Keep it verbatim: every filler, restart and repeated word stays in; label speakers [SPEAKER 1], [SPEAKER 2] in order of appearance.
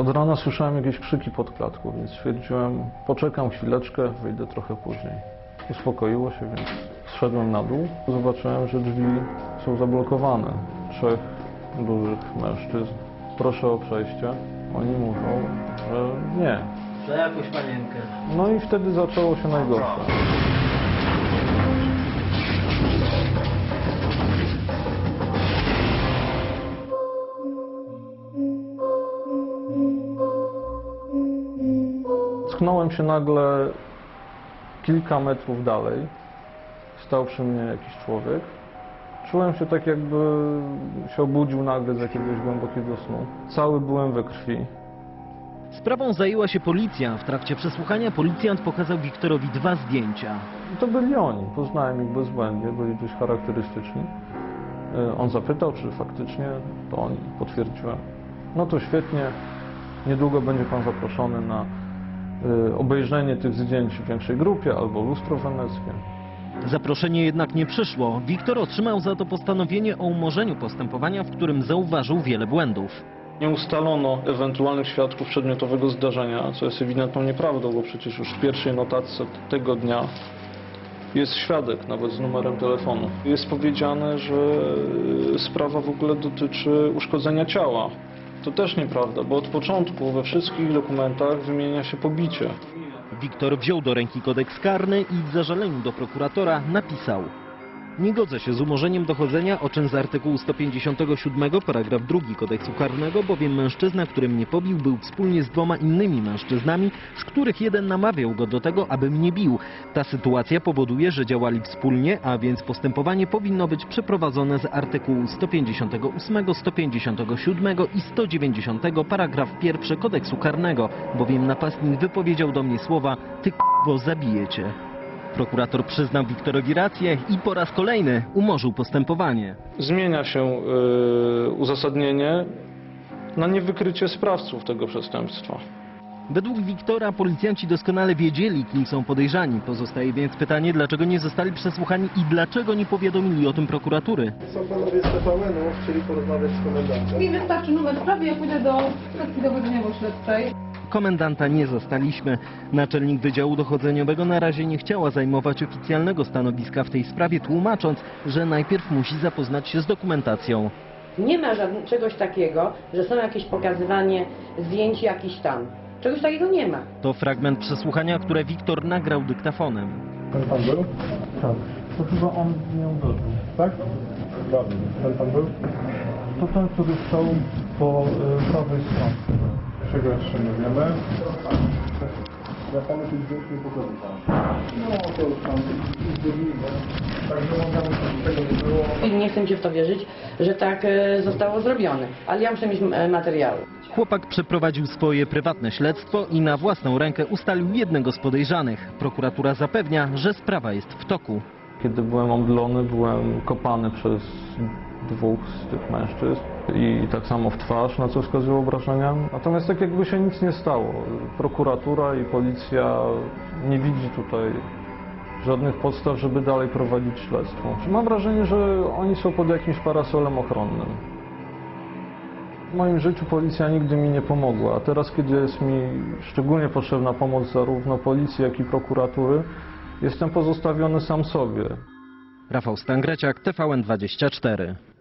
[SPEAKER 1] Od rana słyszałem jakieś krzyki pod klatką, więc stwierdziłem, poczekam chwileczkę, wyjdę trochę później. Uspokoiło się, więc zszedłem na dół. Zobaczyłem, że drzwi są zablokowane. Trzech dużych mężczyzn. Proszę o przejście. Oni mówią, że nie.
[SPEAKER 2] Za jakąś panienkę.
[SPEAKER 1] No i wtedy zaczęło się najgorsze. Tknąłem się nagle kilka metrów dalej. Stał przy mnie jakiś człowiek. Czułem się tak, jakby się obudził nagle z jakiegoś głębokiego snu. Cały byłem we krwi.
[SPEAKER 3] Sprawą zajęła się policja. W trakcie przesłuchania policjant pokazał Wiktorowi dwa zdjęcia.
[SPEAKER 1] I to byli oni. Poznałem ich bezbłędnie, byli dość charakterystyczni. On zapytał, czy faktycznie to oni. Potwierdziłem. No to świetnie. Niedługo będzie pan zaproszony na obejrzenie tych zdjęć w większej grupie albo lustro weneckie.
[SPEAKER 3] Zaproszenie jednak nie przyszło. Wiktor otrzymał za to postanowienie o umorzeniu postępowania, w którym zauważył wiele błędów.
[SPEAKER 1] Nie ustalono ewentualnych świadków przedmiotowego zdarzenia, co jest ewidentną nieprawdą, bo przecież już w pierwszej notatce tego dnia jest świadek, nawet z numerem telefonu. Jest powiedziane, że sprawa w ogóle dotyczy uszkodzenia ciała. To też nieprawda, bo od początku we wszystkich dokumentach wymienia się pobicie.
[SPEAKER 3] Wiktor wziął do ręki kodeks karny i w zażaleniu do prokuratora napisał: nie godzę się z umorzeniem dochodzenia o czyn z artykułu sto pięćdziesiątego siódmego paragraf drugi kodeksu karnego, bowiem mężczyzna, który mnie pobił, był wspólnie z dwoma innymi mężczyznami, z których jeden namawiał go do tego, aby mnie bił. Ta sytuacja powoduje, że działali wspólnie, a więc postępowanie powinno być przeprowadzone z artykułu sto pięćdziesiątego ósmego, sto pięćdziesiątego siódmego i sto dziewięćdziesiątego paragraf pierwszy kodeksu karnego, bowiem napastnik wypowiedział do mnie słowa: ty k***wo, zabiję cię. Prokurator przyznał Wiktorowi rację i po raz kolejny umorzył postępowanie.
[SPEAKER 1] Zmienia się yy, uzasadnienie na niewykrycie sprawców tego przestępstwa.
[SPEAKER 3] Według Wiktora policjanci doskonale wiedzieli, kim są podejrzani. Pozostaje więc pytanie, dlaczego nie zostali przesłuchani i dlaczego nie powiadomili o tym prokuratury.
[SPEAKER 4] Są panowie z T V N-u, chcieli porozmawiać z komendantem.
[SPEAKER 5] Mi wystarczy numer sprawy, ja pójdę do sekcji dowodzeniowo-śledczej.
[SPEAKER 3] Komendanta nie zastaliśmy. Naczelnik Wydziału Dochodzeniowego na razie nie chciała zajmować oficjalnego stanowiska w tej sprawie, tłumacząc, że najpierw musi zapoznać się z dokumentacją.
[SPEAKER 6] Nie ma żadnego, czegoś takiego, że są jakieś pokazywanie zdjęć jakiś tam. Czegoś takiego nie ma.
[SPEAKER 3] To fragment przesłuchania, które Wiktor nagrał dyktafonem.
[SPEAKER 4] Ten pan był?
[SPEAKER 1] Tak, to chyba on mnie uderzył.
[SPEAKER 4] Tak? Dokładnie. Ten pan był?
[SPEAKER 1] To ten, który stał po y, prawej stronie.
[SPEAKER 4] Czego jeszcze nie wiemy? Ja panu tych zdjęć nie pokazywałem. No to już tam zgodnimy. Także mogę, że tego nie było.
[SPEAKER 6] I nie chcę Cię w to wierzyć, że tak e, zostało zrobione. Ale ja muszę mieć e, materiały.
[SPEAKER 3] Chłopak przeprowadził swoje prywatne śledztwo i na własną rękę ustalił jednego z podejrzanych. Prokuratura zapewnia, że sprawa jest w toku.
[SPEAKER 1] Kiedy byłem omdlony, byłem kopany przez dwóch z tych mężczyzn i tak samo w twarz, na co wskazują obrażenia. Natomiast tak jakby się nic nie stało. Prokuratura i policja nie widzi tutaj żadnych podstaw, żeby dalej prowadzić śledztwo. Mam wrażenie, że oni są pod jakimś parasolem ochronnym. W moim życiu policja nigdy mi nie pomogła, a teraz, kiedy jest mi szczególnie potrzebna pomoc zarówno policji, jak i prokuratury, jestem pozostawiony sam sobie.
[SPEAKER 3] Rafał Stangreciak, T V N dwadzieścia cztery.